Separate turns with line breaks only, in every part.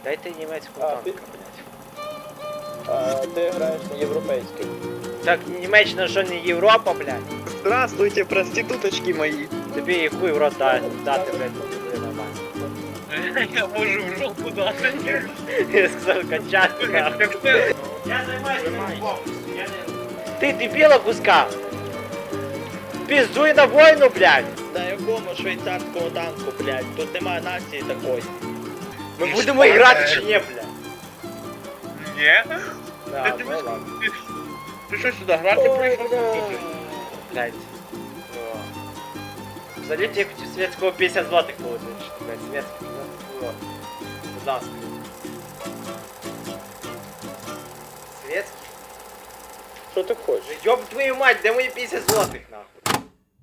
Дайте німецьку танка, блядь.
Ти граєш на європейських.
Так Німеччина що не Європа, блядь?
Здравствуйте, проституточки мої.
Тобі і хуй в рот дати, блядь, буде нормально.
Я можу в жопу дати.
Я сказав качати, нахуй. Я займаюся боксом, я не... Ти дебіла куска! Піздуй на війну, блядь!
На якому швейцарського танку, блядь? Тут немає нації такої.
Ми будемо грати чи ні, блядь?
Ні?
Да,
Ти
ну ладно.
Ти що сюди грати прийшов?
Блядь. О. Взагалі я хотів світського 50 злотих получить, блядь, світський. Ну, будь ласка. Світський?
Що ти хочеш?
Ёб твою мать, де мої 50 злотих, нахуй?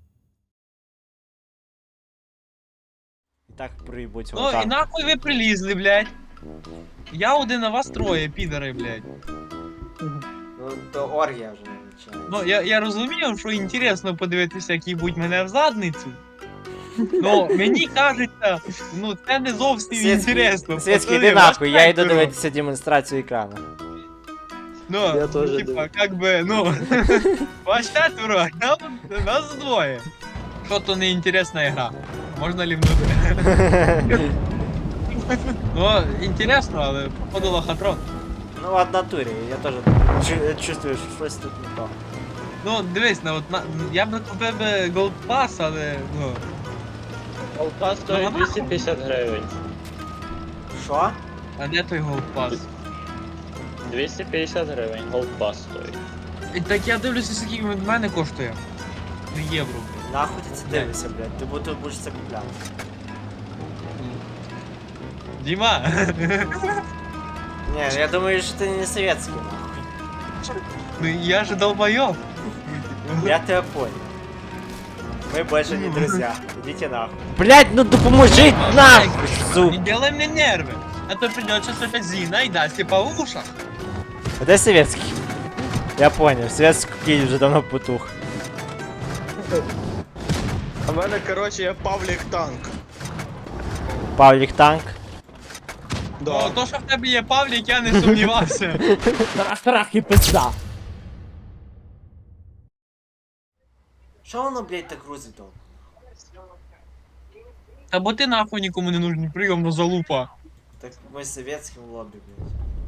І так проїбуть
Ну і нахуй ви прилізли, блядь. Я один, а вас троє, підари, блядь.
Ну, то оргія вже починається.
Ну, я розумію, що інтересно подивитися, як їбуть мене в задницю. Ну, мені кажеться, ну це не зовсім інтересно.
Світський,
Пацани,
іди
вас
нахуй, я йду
четверо.
дивитися демонстрацію екрану.
Ну,
Я теж
типа,
думаю.
как би, ну, вас четверо, нас двоє. Що то не інтересна гра? Можна лівнути? Ну, інтересно, але походу лохотрон.
Ну, в натурі, я теж чувствую, що щось тут не то.
Ну, дивись, я б купив би Gold Pass, але, ну...
Голка стоїть 250 гривень.
Що?
А де той Gold Pass?
250 гривень, голка стоїть.
І так я дивлюся, скільки він в мене коштує. 3 євро, блядь.
Нахуй ти це дивишся, блядь, ти будеш це купляти.
Діма!
Ні, я думаю, що ти не советський, нахуй.
Ну я же долбоёб.
Я тебя понял. Мы больше не друзья. Идите нахуй. Блять, ну допоможи нахуй,
Не
сука.
делай мне нервы. А то придется опять Зина и даст тебе по ушах.
Где советский? Я понял, советский кей уже давно потух.
А в мене, коротше, є Павлік танк.
Павлик танк.
Ну, то, що в тебе є Павлік, я не сумнівався.
Трах і пизда. Що воно, блять, так грузить довго?
Та бо ти нахуй нікому не нужний, прийомно залупа.
Так ми советським лобі, блять.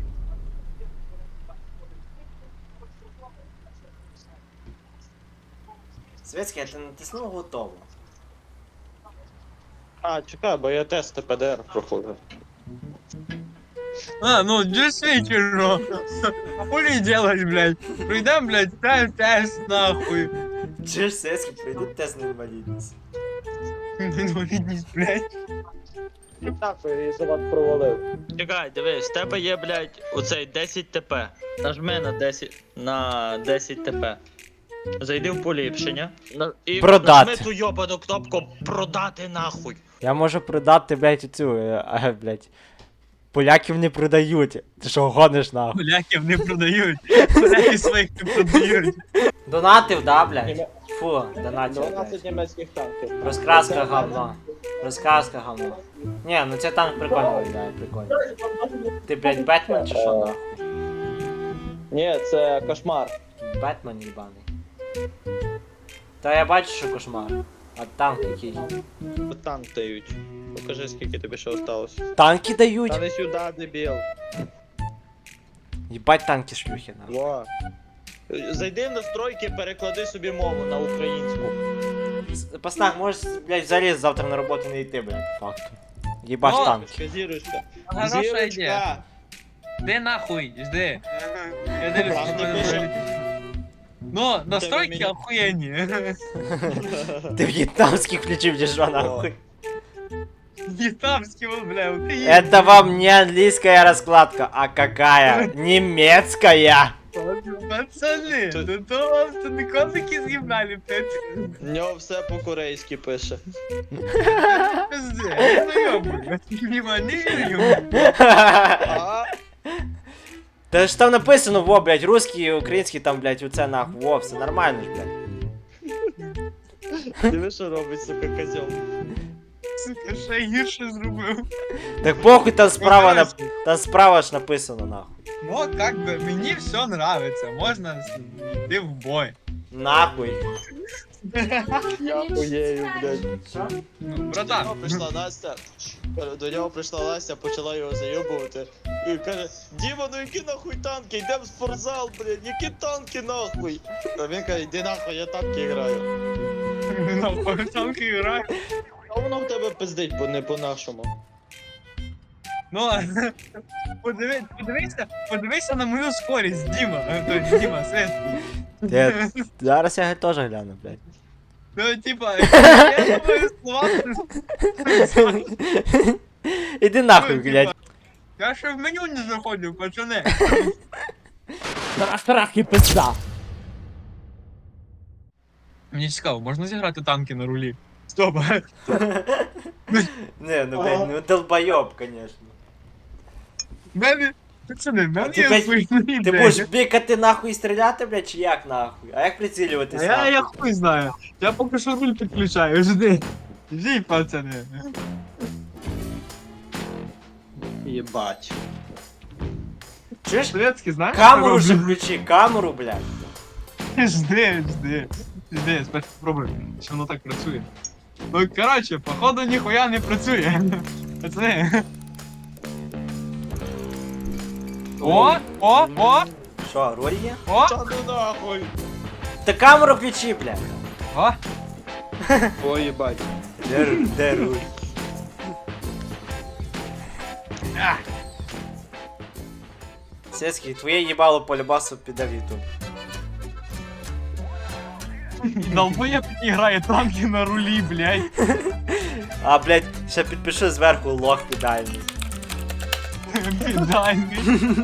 Советський, а ти натиснув готово.
А, чекай, бо я тест ПДР проходив.
А, ну, действительно. Хули делать, блядь? Придем, блядь, ставим тест, нахуй.
Чи ж советський прийде тест на інвалідність?
Инвалидность, блядь.
Так, я за вас провалив. Чекай, дивись, в тебе є, блядь, оцей 10 ТП. Нажми на 10 ТП. Зайди в поліпшення. І
Продати.
нажми ту йобану кнопку продати нахуй.
Я можу продати, блядь, цю, блядь. Поляків не продають. Ти що, гониш нахуй?
Поляків не продають. Поляки своїх не продають.
Донатив, да, блядь? Фу, донатив,
12
блядь.
німецьких танків.
Розкраска говно. Розкраска говно. Ні, ну це танк прикольно виглядає, прикольно. Ти, блядь, Бетмен чи що нахуй?
Ні, це кошмар.
Бетмен їбаний. Та я бачу, що кошмар. А танк який?
Танк дають. Покажи, скільки тобі ще осталось.
Танки дають?
Та не сюди, дебіл.
Їбать танки шлюхи, нахуй.
Во. Зайди в настройки, переклади собі мову на українську.
Паснак, можеш, блядь, взагалі завтра на роботу не йти, блядь, по факту. Їбаш
Ну,
танки.
Зірочка.
Хороша ідея. Де нахуй, жди. Я дивлюся, що
Правда,
мене
пише?
взагалі- Ну, настройки
мені-
охуєнні.
Ти в'єтнамських включив, чи що, нахуй?
Вьетнамські, бля, українські.
Это вам не английская раскладка, а какая? Немецкая!
Пацани, ну то вам це не котики з'їбали, блядь.
В нього все по-корейськи пише.
Пизде, я знайомий. Діма, не вірю.
А?
Та ж там написано, во, блядь, русский, український, там, блядь, оце нахуй, во, все нормально ж, блядь.
Диви, що робить, сука, козьол.
Сука, ще гірше зробив.
Так похуй, там справа ж написано, нахуй.
Ну, как би, мені все нравиться, можна йти в бой.
Нахуй.
Я хуєю, блядь.
Ну,
До
братан,
нього прийшла Настя, почала його зайобувати. І каже, Діма, ну які нахуй танки, йдемо в спортзал, блядь, які танки нахуй. А він каже, йди нахуй, я танки граю.
на танки грає.
А воно в тебе пиздить, бо не по-нашому.
Ну, подивися на мою скорість, Діма. Тобто, Діма, Свет.
Зараз я теж гляну, блядь.
Ну, типа, я думаю, слова.
Іди нахуй, блядь.
Я ще в меню не заходив, пацани.
Страх і пизда.
Мені цікаво, можна зіграти танки на рулі? Стоп.
Не, ну, блядь, ну долбойоб, конечно.
Мене, пацани, мене
Ти,
є
блядь,
свої
Ти
ідеї.
будеш бікати нахуй і стріляти, блядь, чи як нахуй? А як прицілюватись
А я
нахуй?
хуй знаю. Я поки що руль підключаю, жди. Жди, пацани.
Єбать.
Чуєш?
Шведський, знаєш?
Камеру
що
же
роблю?
включи, камеру, блядь.
Жди. Жди, спершу спробуй, чи воно так працює. Ну, коротше, походу ніхуя не працює. Пацани. О!
Що, роль є?
О!
Та ну нахуй.
Та камеру включи, блядь.
О!
О, єбать.
Де руль? Сецький, твоє їбало по любасу піде в ютуб.
Долбоєб не грає танки на рулі, блядь.
А, блядь, ще підпишу зверху лох підальний.
Підайний.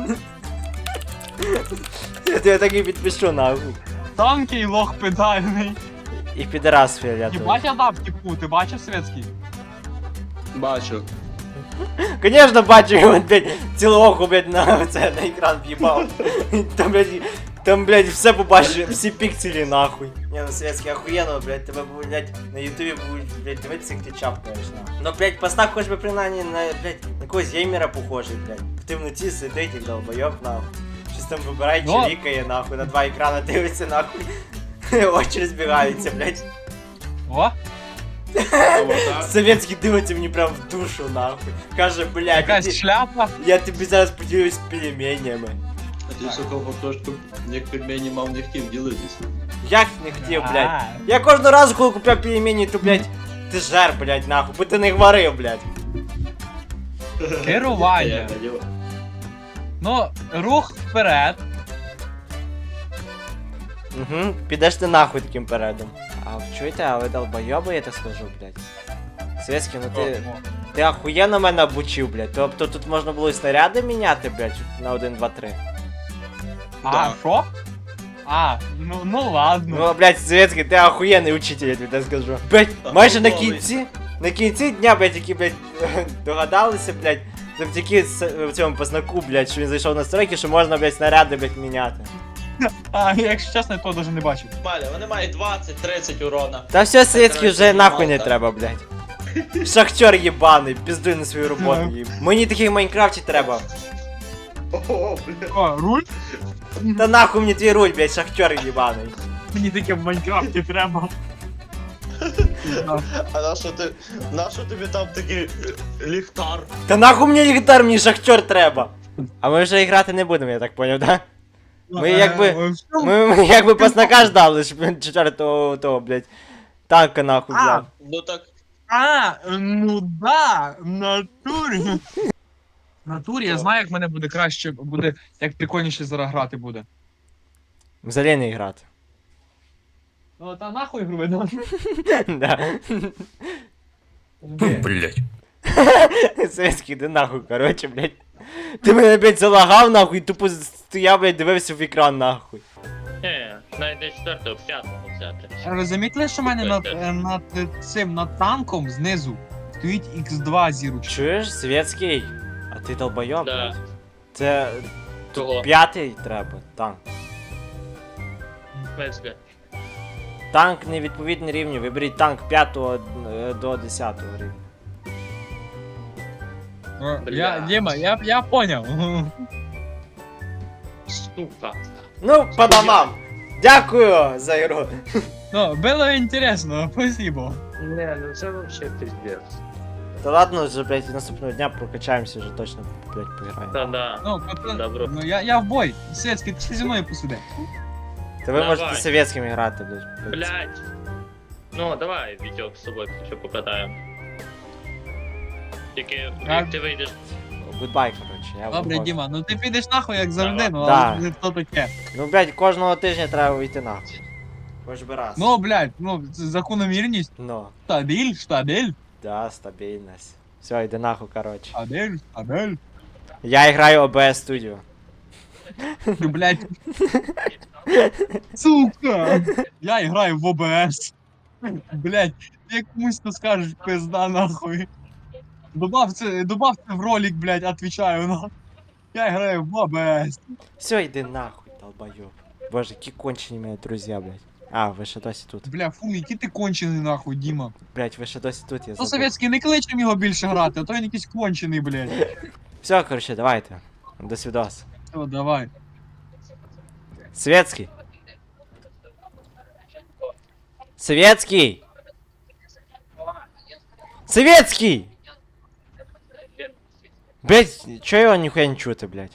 Я так і підпишу нахуй.
Танки і лох педальний.
І підарас фіолетовий.
Єбать я дав типу, ти бачив Свєцький?
Бачу.
Конечно, бачу, він, блядь, цілу оку, блядь, на екран в'їбав. Там, блядь, все побачиш, всі пікселі нахуй. Не, ну Светський, охуєнно, блядь, тебе, блядь, на ютубі будуть, блядь, дивитися, як ти чапкаєш, нахуй. Ну, блядь, постав хоч би принаймні на, блядь, на когось геймера похожий, блядь. В темноті сидить, як долбойоб, нахуй. Щось там вибирає,
Ну.
чилікає, нахуй, на два екрана дивиться, нахуй. Очі розбігаються, блядь.
О!
Советський дивиться мені прям в душу, нахуй. Каже, блядь,
Якась шляпа.
я тобі зараз поділюсь пельменями.
А ти, сука, трошки як пельмені мав не хотів ділитись.
Як не хотів, блядь.
А,
Я кожного разу, коли купляв пельмені, то, блядь, ти жер, блядь, нахуй, бо ти не говорив, блядь.
Керування. Ну, рух вперед.
Угу, підеш ти нахуй таким передом. А чуєте, а ви долбойоби, я так скажу, блядь. Советський, ну ти охуєнно мене обучив, блядь. Тобто тут можна було і снаряди міняти, блядь, на 1, 2, 3.
А, що? А, ну ладно.
Ну, блядь, Советський, ти охуєнний учитель, я тобі так скажу. Блядь, майже на кінці дня, блядь, які, блядь, догадалися, блядь, завдяки цьому познаку, блядь, що він зайшов на стройки, що можна, блядь, снаряди, блядь, міняти.
А, якщо чесно, я того навіть не бачив.
Маля, вони мають 20-30 урона.
Та все, Советський,
короче,
вже нахуй не
мало,
треба, блядь. Шахтер єбаний, піздуй на свою роботу, їб. Мені таких в Майнкрафті треба.
О, бля.
О, руль?
Та нахуй мені твій руль, блядь, шахтер єбаний.
Мені таке в Майнкрафті треба.
А нащо тобі там такий ліхтар?
Та нахуй мені ліхтар, мені шахтер треба. А ми вже грати не будемо, я так поняв, да? Ми ми якби паснака ждали, щоб він четвертого того, блядь, танка нахуй взяв.
Ну так,
Ну да, в натурі. В натурі я знаю, як мене буде краще, буде, як прикольніше зараз грати буде.
Взагалі не грати.
Ну та нахуй гру видно.
Да.
блять.
Советський, іди нахуй, короче, блядь. Ти мене, блядь, залагав нахуй, і тупо стояв, блядь, дивився в екран нахуй.
Навіть не 4-го, 5-го взяти.
Ви замітили, що в мене над танком знизу стоїть X2 зірочка?
Чуєш, Советський? А ти долбойоб?
Да.
Це
Кого?
5-й треба, танк.
Везга.
Танк невідповідні рівні, виберіть танк 5 до 10 рівня.
Я, Дима, я понял.
Сука.
Ну, по домам. Дякую за ігру.
Ну, было интересно, спасибо.
Не, ну це вообще пиздец.
Та ладно, вже, блядь, наступного дня прокачаємося, вже точно, блядь, пограємо.
Та да.
Ну, пацан,
Добро.
ну я в бой. Светский, ти зі мною посиди.
Та ви
Давай.
можете совєтськими грати, блядь.
Блять. Ну, давай, Вітьок, з собою ще покатаємо. Тільки,
А-
як ти вийдеш.
Гудбай, коротше, я
Добре,
виходжу.
Діма, ну ти підеш нахуй, як завжди, ну
Да.
але то таке.
Ну, блядь, кожного тижня треба вийти нахуй. Хоч би раз.
Ну, блядь, ну, закономірність.
Ну,
Штабель.
да, стабільність. Все, йди нахуй, коротше.
Штабель.
Я граю OBS Studio.
Ну, блядь. Сука. Я граю в ОБС. Блядь, як комусь то скажеш, пизда нахуй. Добав це в ролик, блядь, отвечаю нахуй. Я граю в ОБС.
Все, йди нахуй, долбойоб. Боже, які кончені мене друзі, блядь. А, ви ще досі тут.
Бля, фу, який ти кончений нахуй, Діма.
Блядь, ви ще досі тут, я
То
забув.
совєтський не кличем його більше грати, а то він якийсь кончений, блядь.
Все, коротше, давайте. До свидос.
Все, давай.
Светский. Светский. Светский! Блять, чё его нихуя не чути, блять?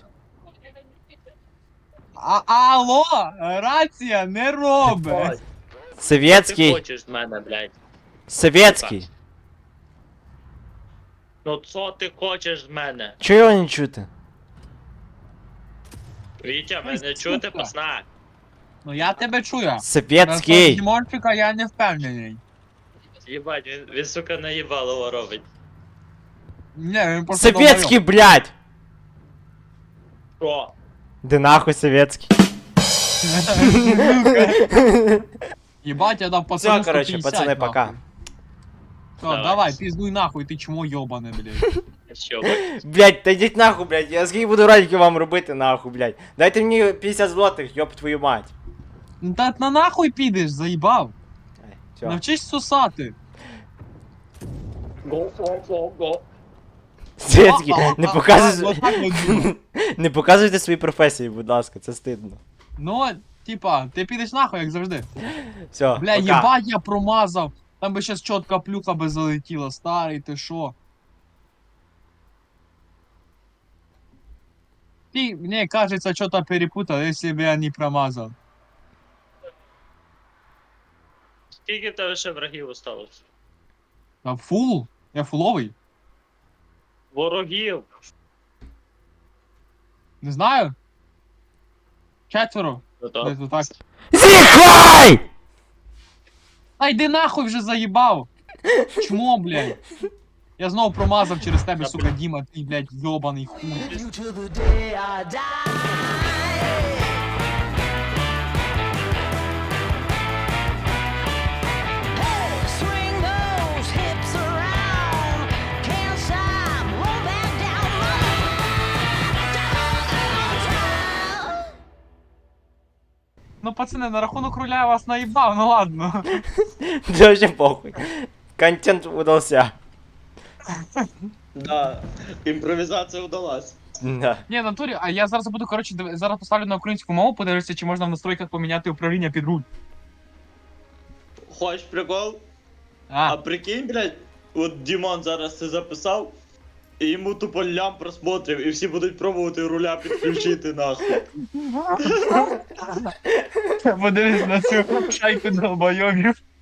Алло, рація не робить.
Ти
Советский.
хочеш з мене, блядь.
Советский.
Ну що ти хочеш з мене?
Чё его не чути?
Вітя,
Ой,
мене чути,
сука.
пацана?
Ну я тебе чую.
Советский.
Дімончика я не впевнений.
Їбать, він сука наїбалово робить.
Не, він просто
Советский, блять!
Що?
Да нахуй советский.
долбойоб. Єбать, я дав пацану
Все, короче,
150,
пацаны,
нахуй.
пока.
Все,
Давай.
давай, пиздуй нахуй, ти чмо йобане, блядь.
Що,
Блять, та йдіть нахуй, блять. Я скільки буду ролики вам робити, нахуй, блять. Дайте мені 50 злотих, ёб твою мать.
Ну та на нахуй підеш, заїбав.
Все.
Навчись сосати.
го.
Светский, не показуй.
Отак от Діма.
Не показуйте свої професії, будь ласка, це стидно.
Ну, типа, ти підеш нахуй, як завжди.
Все,
Бля,
пока.
єбать, я промазав. Там би щас чотка плюха би залетіла, старий, ти шо? Ты, мне кажется, что-то перепутал, если бы я не промазал.
Скільки в тебе ще врагів осталось?
А фул? Я фуловый?
Ворогів.
Не знаю. Четверо.
Ну
Десь
то.
отак.
Зіхай!
Та йди нахуй вже заїбав. Чмо, блядь. Я знову промазав через тебе, сука, Діма, ти, блядь, йобаний хуй.
Swing those hips around. Can't stop, roll back down.
Ну, пацани, на рахунок руля я вас наїбав, ну ладно.
Да вообще похуй. Контент удался.
Да, імпровізація вдалась.
Да.
Ні, в натурі, а я зараз буду, коротше, зараз поставлю на українську мову, подивлюся, чи можна в настройках поміняти управління під руль.
Хочеш прикол? А
А,
прикинь, блядь, от Дімон зараз це записав, і йому тупо лям просмотрів, і всі будуть пробувати руля підключити нахуй.
подивись на цю шайку долбойовів.